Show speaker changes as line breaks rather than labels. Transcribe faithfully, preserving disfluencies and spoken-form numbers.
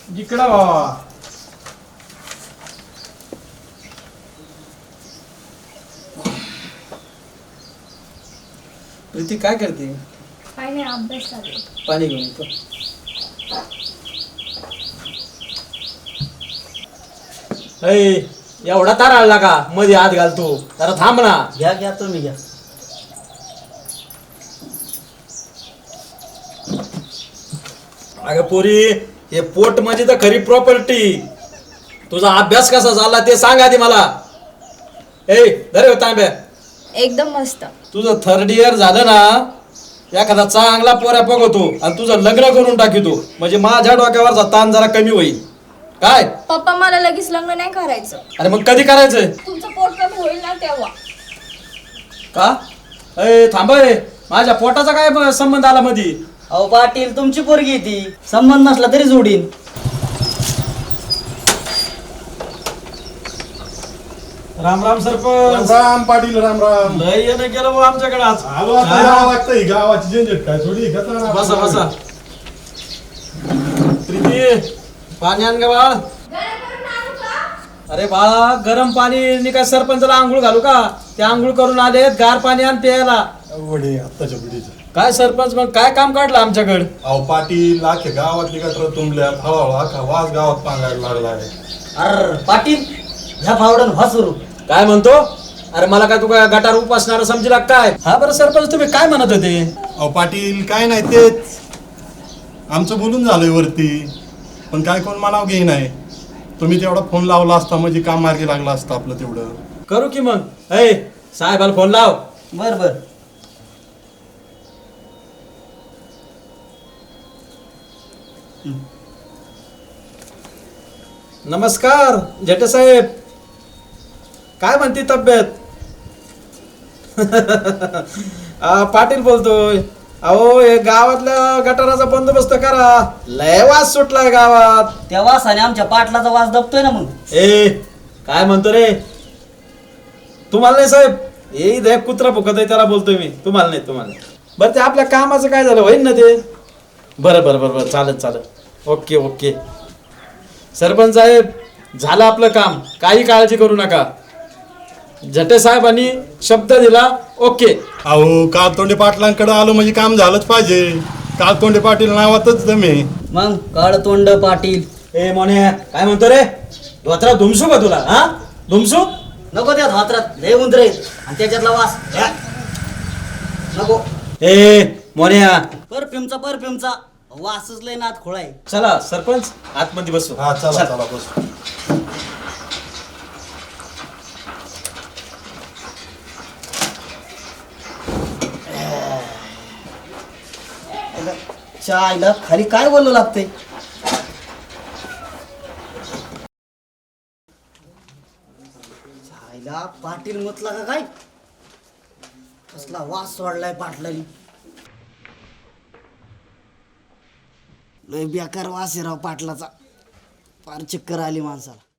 इकडं बाबा. प्रीती काय करते?
काय नाही, अभ्यास चालू.
पाणी घेऊन येतो. ऐ, एवढा तार आला का मध्ये हात घालतो? जरा थांब ना.
घ्या घ्या तुम्ही घ्या.
अगं पोरी, हे पोट म्हणजे तर खरी प्रॉपर्टी. तुझा अभ्यास कसा झाला ते सांग आधी मला. ए धरे तांब्या.
एकदम मस्त.
तुझं थर्ड इयर झालं ना, एखादा चांगला पोऱ्या बघतो आणि तुझं लग्न करून टाकितो, म्हणजे माझ्या डोक्यावरचा ताण जरा कमी होईल. काय?
पप्पा मला लगेच लग्न नाही करायचं.
अरे मग कधी करायचंय?
तुमचं पोट कमी होईल ना तेव्हा.
का? अय थांब, माझ्या पोटाचा काय संबंध आला मध्ये?
अहो पाटील, तुमची पोरगी ती, संबंध नसला तरी जोडीन.
राम राम सरपंच.
राम पाटील, राम राम.
लय येणं गेलं बुवा आमच्याकडे आज.
आलो आता यावं लागतं, ही गावाची झंझट काय थोडी घेतला ना.
बसा बसा. प्रीती, पाणी आण ग बाळ. अरे बाळा, गरम पाणी नि काय सरपंचाला आंघोळ घालू का? ते आंघोळ करून आलेत, गार पाणी आण प्यायला.
वडे आत्ताच्या पिढीचं.
काय सरपंच, मग काय काम काढलं आमच्याकडे?
अहो पाटील, अख्ख्या गावातली गटर तुंबल्यात, हळूहळू अख्खा वास गावात पांगायला लागलाय.
अर पाटील, ह्या फावडन व्हा सुरू.
काय म्हणतो? अरे मला काय तू काय गटार उपासणार समजला काय? हा बरं सरपंच, तुम्ही काय म्हणत होते?
अहो पाटील, काय नाही तेच आमचं बोलून झालंय वरती, पण काय कोण मनाव घेई नाही. तुम्ही तेवढा फोन लावला असता म्हणजे काम मार्गी लागला असतं आपलं तेवढं.
करू की मग. ऐ साहेबाला फोन लाव.
बर बर.
नमस्कार जेठे साहेब, काय म्हणते तब्येत? आ, पाटील बोलतोय. अहो हे गावातल्या गटाराचा बंदोबस्त करा, लय वास सुटलाय गावात.
त्या वासाने आमच्या पाटलाचा वास दबतोय ना. मग
ए काय म्हणतो रे? तुम्हाला नाही साहेब, हे इथे कुत्रा फुकत आहे त्याला बोलतोय मी, तुम्हाला नाही. तुम्हाला बरं, ते आपल्या कामाचं काय झालं होईल ना ते? बरं बरं बरं बरं, चालेल चालेल. Okay okay. सरपंच साहेब, झालं आपलं काम, काही काळजी करू नका. जटे साहेबांनी शब्द दिला. ओके.
अहो काळतोंडे पाटलांकडे आलो म्हणजे काम झालंच पाहिजे. काळतोंडे पाटील नावातच दमे.
मग काळ तोंड पाटील.
ए मोने, काय म्हणतो रे? धोत्रा धुमसू का तुला? हा धुमसू
नको त्या धात्रात लय उंदरे आणि त्याच्यातला वास घ्या. नको.
ए मोन्या,
परफ्यूमचा परफ्यूमचा वासच लय नात खोळाय.
चला सरपंच आतमध्ये बसू.
हा चला चला बस.
चायला खाली काय बोलू लागतंय? चायला पाटील मुतला का काय? कसला वास सोडलाय पाटलानी. लय बेकार वास आहे राव पाटलाचा. फार चक्कर आली माणसाला.